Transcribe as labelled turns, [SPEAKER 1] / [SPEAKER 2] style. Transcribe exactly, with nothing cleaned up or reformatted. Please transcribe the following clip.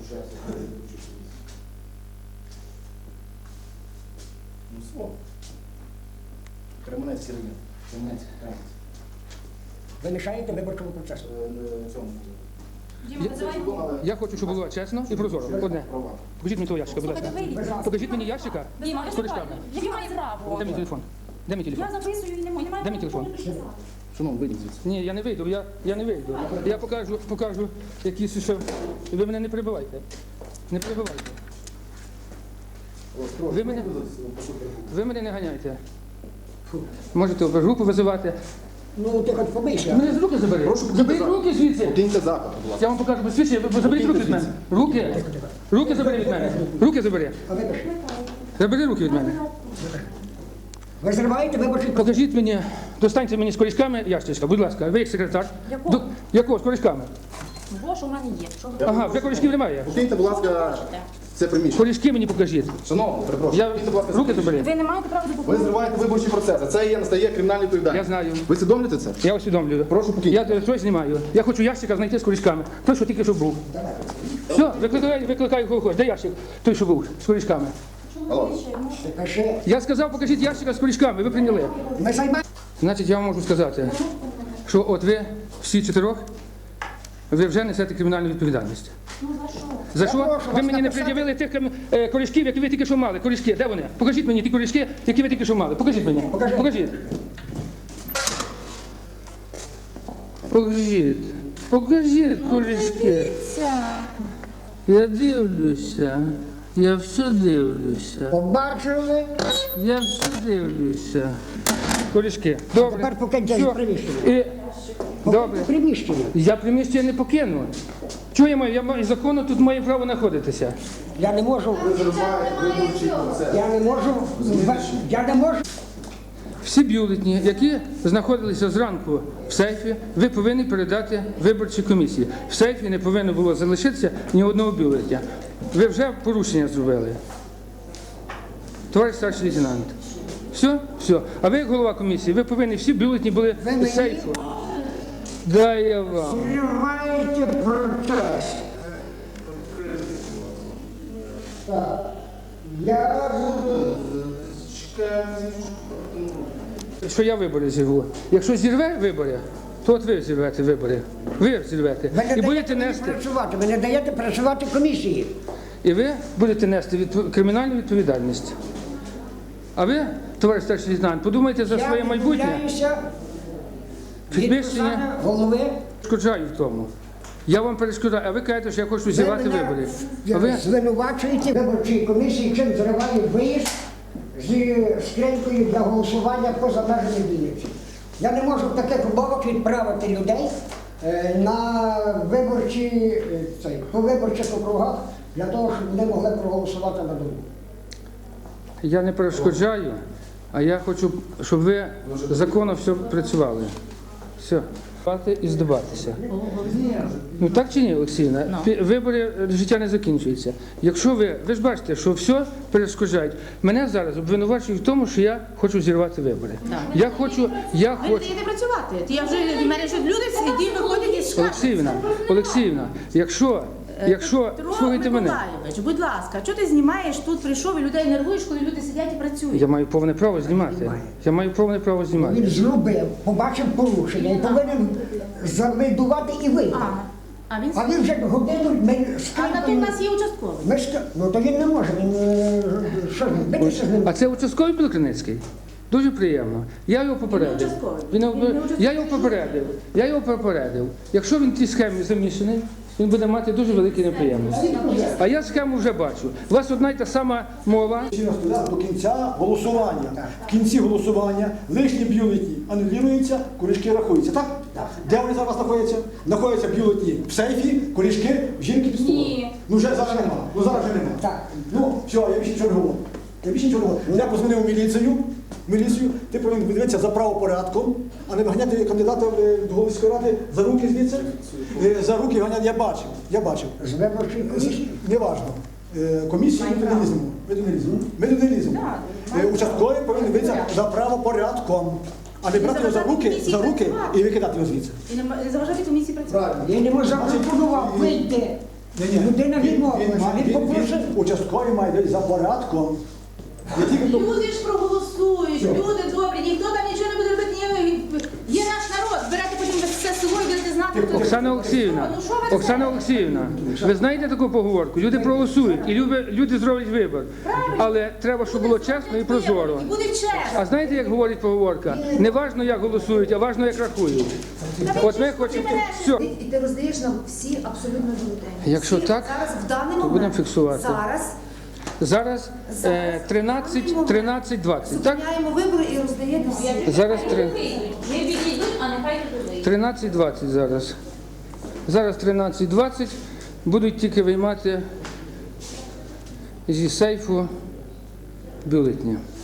[SPEAKER 1] Ну, слово. Кременецький район. Кременецький, Кременецький.
[SPEAKER 2] Ви мішаєте виборчому процесу.
[SPEAKER 1] Е, цьому.
[SPEAKER 3] Я хочу, щоб було чесно і прозоро. Одне. Покажіть мені того ящика, будь ласка. Покажіть мені ящика з корешками.
[SPEAKER 4] Який має право?
[SPEAKER 3] Де мій телефон? Де мій телефон?
[SPEAKER 4] Я записую і не можу.
[SPEAKER 3] Де мій телефон?
[SPEAKER 1] Шановний, вийдіть звідси.
[SPEAKER 3] Ні, я не вийду, я, я не вийду. Я покажу, покажу якісь ще... Ви мене не перебивайте. Не перебивайте. Ви мене, ви мене не ганяйте. Можете групу визивати.
[SPEAKER 2] Ну, ти хоч помийся.
[SPEAKER 3] Мене з руки забери. Заберіть руки звідси.
[SPEAKER 1] Покиньте заклад, будь ласка.
[SPEAKER 3] Я вам покажу посвідчення, ви заберіть руки від мене. Руки. Руки забери від мене. Руки забери.
[SPEAKER 2] А ви пишете?
[SPEAKER 3] Забери руки від мене.
[SPEAKER 2] Ви зриваєте виборчий процес.
[SPEAKER 3] Покажіть мені, достаньте мені з корішками ящичка, будь ласка. Ви як секретар?
[SPEAKER 4] Якого?
[SPEAKER 3] До- Якого з корішками?
[SPEAKER 4] Бо що в мене є. Що ви
[SPEAKER 3] Ага, вже корішків немає.
[SPEAKER 1] Покиньте, будь ласка, це приміщення.
[SPEAKER 3] Корішки мені покажіть.
[SPEAKER 1] Шановний, перепрошую.
[SPEAKER 3] Я...
[SPEAKER 1] Покиньте, будь ласка,
[SPEAKER 3] Руки
[SPEAKER 1] це
[SPEAKER 3] забери.
[SPEAKER 4] Ви не маєте права
[SPEAKER 1] Ви
[SPEAKER 4] допомогти.
[SPEAKER 1] зриваєте виборчий процес, а це є настає кримінальна відповідальність.
[SPEAKER 3] Я знаю.
[SPEAKER 1] Ви усвідомлюєте це?
[SPEAKER 3] Я усвідомлюю.
[SPEAKER 1] Прошу покиньте.
[SPEAKER 3] Я е, щось знімаю. Я хочу ящика знайти з корішками. Той, що тільки що був. Все, викликаю, викликаю кого хочеш. Де ящик? Той, що був, з корішками.
[SPEAKER 1] Алло.
[SPEAKER 2] Пиши.
[SPEAKER 3] Я сказав, покажіть ящика з корішками, ви прийняли.
[SPEAKER 2] Ми займаємо.
[SPEAKER 3] Значить, я вам можу сказати, що от ви, всі чотирьох, ви вже несете кримінальну відповідальність.
[SPEAKER 4] Ну за що?
[SPEAKER 3] За що?
[SPEAKER 2] прошу
[SPEAKER 3] Ви
[SPEAKER 2] вас
[SPEAKER 3] мені не
[SPEAKER 2] написати.
[SPEAKER 3] пред'явили тих кам- е, корішків, які ви тільки що мали. Корішки, де вони? Покажіть мені ті корішки, які ви тільки що мали. Покажіть мені.
[SPEAKER 2] Покажи.
[SPEAKER 3] Покажіть. Покажіть. Покажіть корішки. Я дивлюся. Я все дивлюся.
[SPEAKER 2] Побачили.
[SPEAKER 3] Я все дивлюся. Корішки. Добре.
[SPEAKER 2] Тепер покиньте
[SPEAKER 3] Все.
[SPEAKER 2] приміщення.
[SPEAKER 3] І... Добре.
[SPEAKER 2] Приміщення.
[SPEAKER 3] Я приміщення не покину. Чого я маю? Я маю законно тут маю право знаходитися.
[SPEAKER 2] Я не можу. Я не можу. Я не можу.
[SPEAKER 3] Всі бюлетні, які знаходилися зранку в сейфі, ви повинні передати виборчій комісії. В сейфі не повинно було залишитися ні одного бюлетня. Ви вже порушення зробили. Товариш старший лейтенант. Все? Все. А ви, як голова комісії, ви повинні всі бюлетні були
[SPEAKER 2] Ви
[SPEAKER 3] в
[SPEAKER 2] мені?
[SPEAKER 3] сейфу. Дай я вам.
[SPEAKER 2] Зриваєте процес. Так. Я буду.
[SPEAKER 3] Що я вибори зірву. Якщо зірве вибори, то от ви зірвете вибори. Ви зірвете.
[SPEAKER 2] Ви не
[SPEAKER 3] І
[SPEAKER 2] даєте
[SPEAKER 3] будете
[SPEAKER 2] мені
[SPEAKER 3] нести.
[SPEAKER 2] працювати. Ви не даєте працювати комісії.
[SPEAKER 3] І ви будете нести відпо- кримінальну відповідальність. А ви, товариш старший лейтенант, подумайте за своє
[SPEAKER 2] Я
[SPEAKER 3] майбутнє.
[SPEAKER 2] відмовляюся від
[SPEAKER 3] Підвищення
[SPEAKER 2] посади голови.
[SPEAKER 3] перешкоджаю в тому. Я вам перешкоджаю, а ви кажете, що я хочу зірвати
[SPEAKER 2] Ви мене
[SPEAKER 3] вибори. А ви
[SPEAKER 2] звинувачуєте виборчій комісії, чим зриває виїзд зі скринькою для голосування поза межами Вінниці. Я не можу в таких умовах відправити людей е, на виборчі, е, цей, по виборчих округах для того, щоб вони могли проголосувати на дому.
[SPEAKER 3] я не перешкоджаю, а я хочу, щоб ви законно все працювали. Все. Спати і здаватися. Ну так чи ні, Олексіївна? Пі- Вибори, е, життя не закінчується. Якщо ви, ви ж бачите, що все перешкоджають. Мене зараз обвинувачують в тому, що я хочу зірвати вибори. Я хочу, я
[SPEAKER 5] Ви не
[SPEAKER 3] хочу.
[SPEAKER 5] даєте працювати. Я вже в мене вже люди сидять, виходять із шкафу.
[SPEAKER 3] Олексіївна, Олексіївна, якщо, якщо,
[SPEAKER 5] Петро
[SPEAKER 3] слухайте мене,
[SPEAKER 5] Миколайович, будь ласка, що ти знімаєш тут, прийшов і людей нервуєш, коли люди сидять і працюють?
[SPEAKER 3] я маю повне право знімати. Я маю повне право
[SPEAKER 2] Він
[SPEAKER 3] знімати.
[SPEAKER 2] зробив, побачив порушення і повинен завидувати і вийти.
[SPEAKER 5] А, а він
[SPEAKER 2] А він вже годину ми
[SPEAKER 5] а на то в
[SPEAKER 2] скринькою.
[SPEAKER 5] нас є участковий.
[SPEAKER 2] Ми ска- Ну то він не може, він е, що він битися з ним.
[SPEAKER 3] А це участковий Білокриницький? Дуже приємно. Я його попередив.
[SPEAKER 5] Він не участковий.
[SPEAKER 3] Він не-
[SPEAKER 5] Він не участковий.
[SPEAKER 3] Я його попередив. Я його попередив. Якщо він в тій схемі замішаний, він буде мати дуже великі неприємності. А я схему вже бачу. У вас одна й та сама мова.
[SPEAKER 6] До кінця голосування. В кінці голосування лишні бюлетні анулюються, корішки рахуються. Так? Де вони зараз знаходяться? Знаходяться бюлетні в сейфі, корішки в жінки під столом.
[SPEAKER 4] Ні.
[SPEAKER 6] Ну вже зараз нема. Ну зараз вже нема.
[SPEAKER 2] Так.
[SPEAKER 6] Ну все, я більше нічого не говорю. Я більше нічого не говорю. Я позвонив в міліцію. В міліцію, ти повинен дивитися за правопорядком, а не виганяти кандидата е, до Головської ради за руки звідси. Е, За руки ганяти я бачив. Я бачив.
[SPEAKER 2] З виборчої комісії.
[SPEAKER 6] Неважно. Е, Комісію ми не ліземо. Ми туди не ліземо. Ми туди не ліземо. Е, Участковий повинен дивитися за правопорядком, а не брати його за руки, за руки і викидати його звідси.
[SPEAKER 5] І не м- не заважати комісії працювати.
[SPEAKER 2] Правильно. Я не можу запропонував вийти
[SPEAKER 6] Ні-ні.
[SPEAKER 2] Людина
[SPEAKER 6] Він-
[SPEAKER 2] відмовилася,
[SPEAKER 6] він має-
[SPEAKER 2] він
[SPEAKER 6] він-
[SPEAKER 2] попросив.
[SPEAKER 6] він Участковий має десь за порядком. Не тільки то-
[SPEAKER 5] Люди ж проголосують,
[SPEAKER 6] Що?
[SPEAKER 5] люди добрі, ніхто там нічого не буде робити. Ні, є наш народ, берете потім все село і будете знати, хто
[SPEAKER 3] Оксана Олексіївна,
[SPEAKER 5] Ну, що ви
[SPEAKER 3] Оксана
[SPEAKER 5] це?
[SPEAKER 3] Олексіївна, ви знаєте таку поговорку? Люди проголосують і люди, люди зроблять вибір. Але треба, щоб було чесно і прозоро.
[SPEAKER 5] І буде чесно.
[SPEAKER 3] А знаєте, як говорить поговорка? Не важно, як голосують, а важно, як рахують. От ми хочемо. Все.
[SPEAKER 7] І, і ти роздаєш нам всі абсолютно бюлетені.
[SPEAKER 3] Якщо
[SPEAKER 7] Всі
[SPEAKER 3] так,
[SPEAKER 7] зараз в даний
[SPEAKER 3] то
[SPEAKER 7] момент,
[SPEAKER 3] будемо фіксувати.
[SPEAKER 7] Зараз
[SPEAKER 3] Зараз е, тринадцять, тринадцять, двадцять. Так?
[SPEAKER 7] зупиняємо вибори і роздаємо всі.
[SPEAKER 3] Зараз три-
[SPEAKER 4] Не відійдуть, а нехай тут вийдуть.
[SPEAKER 3] тринадцять двадцять зараз. Зараз тринадцять двадцять будуть тільки виймати зі сейфу бюлетні.